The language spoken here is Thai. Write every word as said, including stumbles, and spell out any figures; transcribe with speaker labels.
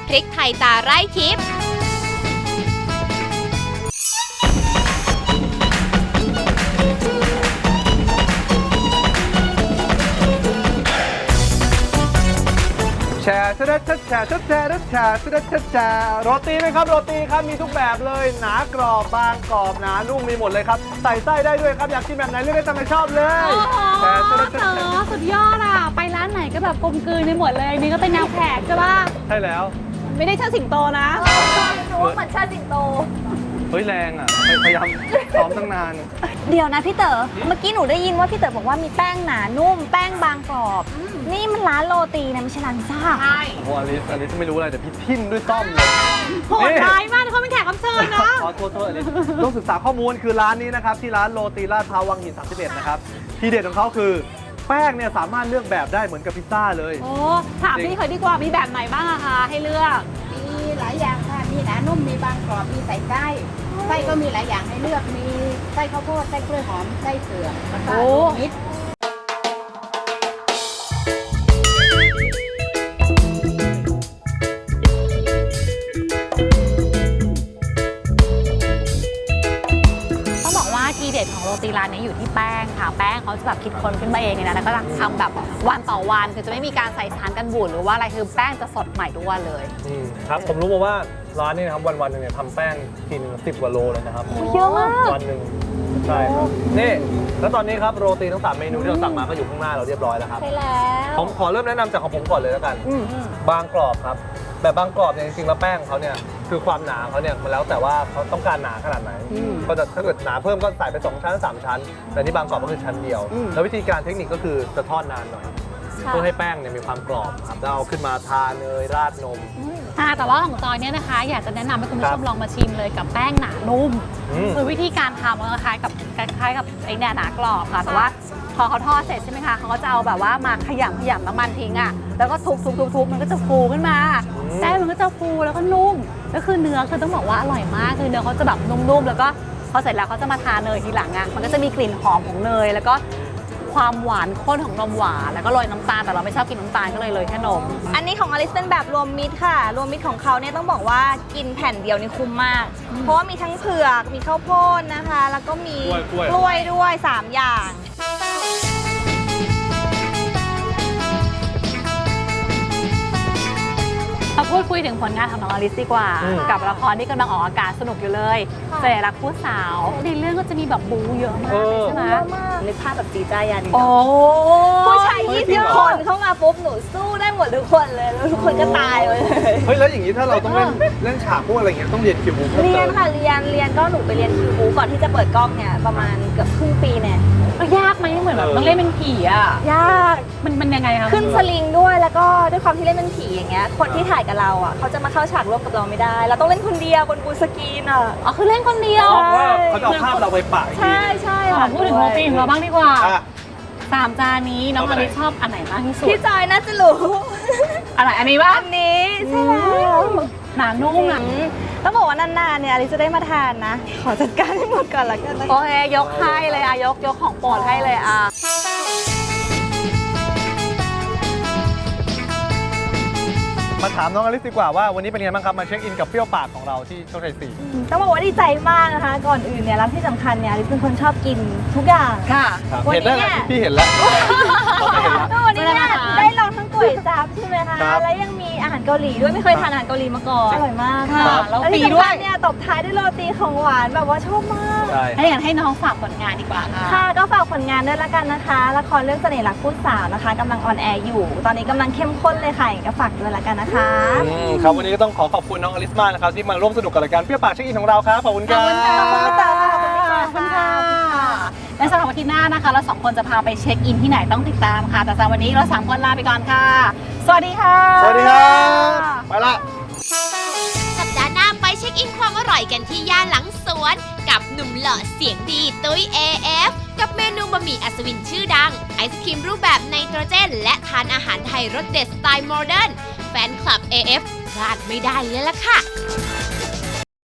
Speaker 1: พริกไทยตาไร่ทิพย์
Speaker 2: แชร์ชุดชุดแชร์ชุดแชร์ชุดแชร์ชุดชุดแชร์โรตีไหมครับโรตีครับมีทุกแบบเลยหนากรอบบางกรอบหนานุ่มมีหมดเลยครับใส่ไส้ได้ด้วยครับอยากกินแบบไหนเลือกได้ตามใจชอบเลยแชร์ชุดชุดแชร์
Speaker 3: สุดยอดอ่ะไปร้านไหนก็แบบกลมกลืนไปหมดเลยนี่ก็เป็นแนวแขกใช่ป่ะ
Speaker 2: ใช่แล้ว
Speaker 3: ไม่ได้เชิดสิงโตนะ
Speaker 4: หนูว่าเหมือนเชิดสิงโต
Speaker 2: เฮ้ยแรงอ่ะพยายามซ้อมตั้งนาน
Speaker 4: เดี๋ยวนะพี่เต๋อเมื่อกี้หนูได้ยินว่าพี่เต๋อบอกว่ามีแป้งหนานุ่มแป้งบางกรอบนี่มันร้านโรตีนะไม่ใช่ร้านซ่า
Speaker 3: ใช่
Speaker 2: โอ้อลิสอลิสไม่รู้อะไรแต่พี่ทิ่มด้วยต้อมเลย
Speaker 3: โหดร้ายมากเขาเป็นแขกรับเชิญนะ
Speaker 2: ขอโทษโทษอลิสต้องศึกษาข้อมูลคือร้านนี้นะครับที่ร้านโรตีลาดพร้าววังหินสามสิบเอ็ดนะครับทีเด็ดของเขาคือแป้งเนี่ยสามารถเลือกแบบได้เหมือนกับพิซซ่าเลย
Speaker 3: โอ้ถามพี่เคยดีกว่ามีแบบไหนบ้างอะคะให้เลือก
Speaker 5: มีหลายอย่างค่ะ มีหนานุ่ม มีบางกรอบ มีใส่ไส้ ไส้ก็มีหลายอย่างให้เลือก มีไส้ข้าวโพด ไส้กล้วยหอม ไส้เผือกแล้วก็รวมมิตร
Speaker 3: ต้องบอกว่าทีเด็ดของโรตีร้านนี้อยู่ที่แป้งค่ะแป้งเขาจะแบบคิดค้นขึ้นมาเองเลยนะแล้วก็ทำแบบวันต่อวันคือจะไม่มีการใส่สารกันบูดหรือว่าอะไรคือแป้งจะสดใหม่ทุกวันเลย
Speaker 2: อืมครับผมรู้มาว่าร้านนี้นะครับวันวันๆหนึงเนี่ยทำแป้งทีนึงสิบกว่าโลเลยนะครับ
Speaker 4: เยอะมาก
Speaker 2: วันหนึ่งใช่ครับนี่แล้วตอนนี้ครับโรตีทั้งสามเมนูที่เราสั่งมาก็อยู่ข้างหน้าเราเรียบร้อยแล้วครับ
Speaker 4: ใช่แล้ว
Speaker 2: ผมขอเริ่มแนะนำจากของผมก่อนเลยแล้วกันบางกรอบครับแบบบางกรอบเนี่ยจริงๆแล้วแป้งเขาเนี่ยคือความหนาเขาเนี่ยมันแล้วแต่ว่าเขาต้องการหนาขนาดไหนก็จะถ้าเกิดหนาเพิ่มก็ใส่ไปสองชั้นสามชั้น แต่นี่บางกรอบก็คือชั้นเดียว แล้ววิธีการเทคนิคก็คือจะทอดนานหน่อยเพื่อให้แป้งเนี่ยมีความกรอบครับแล้วเอาขึ้นมาทาเนยราดนม
Speaker 3: ค่ะแต่ว่าของจอยเนี่ยนะคะอยากจะแนะนำให้คุณผู้ช
Speaker 2: ครั
Speaker 3: ม
Speaker 2: บ
Speaker 3: ลองมาชิมเลยกับแป้งหนานุ่ม
Speaker 2: อืม
Speaker 3: คือวิธีการทำมันคล้ายกับคล้ายๆกับไอ้เนี่ยหนากรอบค่ะแต่ว่าพอเขาทอดเสร็จใช่ไหมคะเขาก็จะเอาแบบว่ามาขยำขยำน้ำมันทิ้งอ่ะแล้วก็ทุบทุบทุบทุบมันก็จะฟูขึ้นมาแป้งมันก็จะฟูแล้วก็นุ่มแล้วคือเนื้อคือต้องบอกว่าอร่อยมากคือเนื้อเขาจะแบบนุ่มๆแล้วก็พอเสร็จแล้วเขาจะมาทาเนยทีหลังอ่ะมันก็จะมีกลิ่นหอมของเนยแล้วก็ความหวานข้นของนมหวานแล้วก็โรยน้ำตาลแต่เราไม่ชอบกินน้ำตาลก็เลยเลยแค่นม
Speaker 4: อันนี้ของอลิสเป็นแบบรวมมิตรค่ะ รวมมิตรของเขาเนี่ยต้องบอกว่ากินแผ่นเดียวนี่คุ้มมาก เพราะว่ามีทั้งเผือกมีข้าวโพดนะคะ แล้วก็มี
Speaker 2: กล้วย
Speaker 4: กล้วยด้วยสามอย่าง
Speaker 3: มาพูดคุยถึงผลงานของน้องอลิสดีกว่า
Speaker 2: อืม
Speaker 3: กับละครที่กำลังออกอากาศสนุกอยู่เลยเสน่ห์รักผู้สาวในเรื่องก็จะมีแบบบู๊เยอะมากเลยใช่ไหม
Speaker 4: เยอะมากนึกภาพแบบจีจ้ายัน
Speaker 3: โอ้
Speaker 4: ผู้ชาย
Speaker 2: เฮ้ย
Speaker 4: ยี่
Speaker 2: จริ
Speaker 4: สิ
Speaker 2: ง
Speaker 4: บ
Speaker 2: เหรอ
Speaker 4: คนเข้ามาปุ๊บหนูสู้ได้หมดทุกคนเลยแล้วทุกคนก็ตายเลย
Speaker 2: เฮ้ยแล้วอย่างนี้ถ้าเราต้องเล่นเล่นฉากพวกอะไรเงี้ยต้องเรียนคิวบูเพิ่ม
Speaker 4: เรีย
Speaker 2: เติ
Speaker 4: น
Speaker 2: ม
Speaker 4: ค่ะเรียนเรียนก็หนูไปเรียนคิวบูก่อนที่จะเปิดกล้องเนี่ยประมาณเกือบครึ่งปีเนี่ย
Speaker 3: แล้วยากไหมเหมือนแบบต้องเล่นเป็นผีอ่ะ
Speaker 4: ยาก
Speaker 3: มันมันยังไงคะ
Speaker 4: ขึ้นสลิงด้วยแล้วก็ด้วยความที่เล่นเป็นผีอย่างเงี้ยคนที่ถ่ายกับเราอ่ะเขาจะมาเข้าฉากร่วมกับเราไม่ได้ เราต้องเล่นคนเดียวบนบูสกรีนอ่ะ
Speaker 3: อ๋อคือเล่นคนเดียว
Speaker 2: เพราะว่าเขาจะเอาภาพเราไปปะอีกที
Speaker 4: ใช่ใช่
Speaker 3: อ๋อ
Speaker 4: ค่ะ
Speaker 3: พูดถึงโรตีของเราบ้างดีกว่า
Speaker 2: อ่ะ
Speaker 3: สามจานนี้น้องอลิสชอบอันไหนมากที่สุด
Speaker 4: พี่จอยน่าจะรู้
Speaker 3: อะไรอันนี้ป่ะ
Speaker 4: อันนี้ใช่แล้ว
Speaker 3: หนานุ่มอ่ะ
Speaker 4: อืมต้องบอกว่านานๆเนี่ยอลิซจะได้มาทานนะ ขอจัดการให้หมดก่อนละกันนะ
Speaker 3: โอเคยกให้เลยอ่ะยกยกของโปรดให้เลยอ่ะ
Speaker 2: มาถามน้องอลิสดีกว่าว่าวันนี้เป็นไงบ้างครับมาเช็คอินกับเปรี้ยวปากของเราที่โชคชัยสี่
Speaker 4: ต้องบอกว่าดีใจมากนะคะ ก่อนอื่นเนี่ยแล้วที่สำคัญเนี่ยอลิซเป็นคนชอบกินทุกอย่าง
Speaker 3: ค่ะ
Speaker 4: วัน
Speaker 2: เห็น
Speaker 4: นี้
Speaker 2: ได้
Speaker 4: เนี่
Speaker 2: แล้ว
Speaker 4: ย
Speaker 2: พี่เห็นแล้วผมเห็นแล้ว
Speaker 4: แล้ววันนี้เนี่ย
Speaker 3: ไม่ได้มาทาน
Speaker 4: ได้ลองทั้งก๋วยจั๊บใช่ไหมคะ
Speaker 2: ครับ
Speaker 4: แล้วยังมีอาหารเกาหลีด้วยไม่เคยทานอาหารเกาหลีมาก่อนอร่อยมาก
Speaker 3: ค่ะ
Speaker 4: ค่ะ
Speaker 3: แล้ว
Speaker 4: ที่
Speaker 3: ฟรีด้วย
Speaker 4: สำคัญเนี่ยตบท้ายด้วยโรตีของหวานแบบว่าชอบมาก
Speaker 2: ใช่
Speaker 3: ถ้าอย่างนั้นให้น้องฝากผลงานดีกว่าค่ะ
Speaker 4: ค่ะก็ฝากผลงานด้วยละกันนะคะ ละครเรื่องเสน่ห์รักผู้สาวนะคะกำลังออนแอร์อยู่ ตอนนี้กำลังเข้มข้นเลยค่ะก็ฝากด้วยละกันนะคะ
Speaker 2: อืมครับวันนี้ก็ต้องขอขอบคุณน้องอลิสมากนะครับที่มาร่วมสนุกกับรายการเปรี้ยวปากเช็คอินของเราครับขอบคุณครับ
Speaker 4: ขอบคุณพี่เต๋อค่ะขอบคุณพี่
Speaker 3: ขอบคุณ
Speaker 4: เต๋
Speaker 3: ค่ะ
Speaker 4: อ
Speaker 3: และสำหรับวันที่หน้านะคะ เราสองคนจะพาไปเช็คอินที่ไหนต้องติดตามค่ะ แต่สำหรับวันนี้เราสามคนลาไปก่อนค่ะ สวัสดีค่ะ
Speaker 2: สวัสดีครับไปละ
Speaker 1: สัปดาห์หน้าไปเช็คอินความอร่อยกันที่ย่านหลังสวน กับหนุ่มหล่อเสียงดีตุ้ย เอ เอฟ กับเมนูบะหมี่อัศวินชื่อดัง ไอศครีมรูปแบบไนโตรเจน และทานอาหารไทยรสเด็ดสไตล์โมเดิร์นแฟนคลับ เอ เอฟ พลาดไม่ได้เลยล่ะค่ะ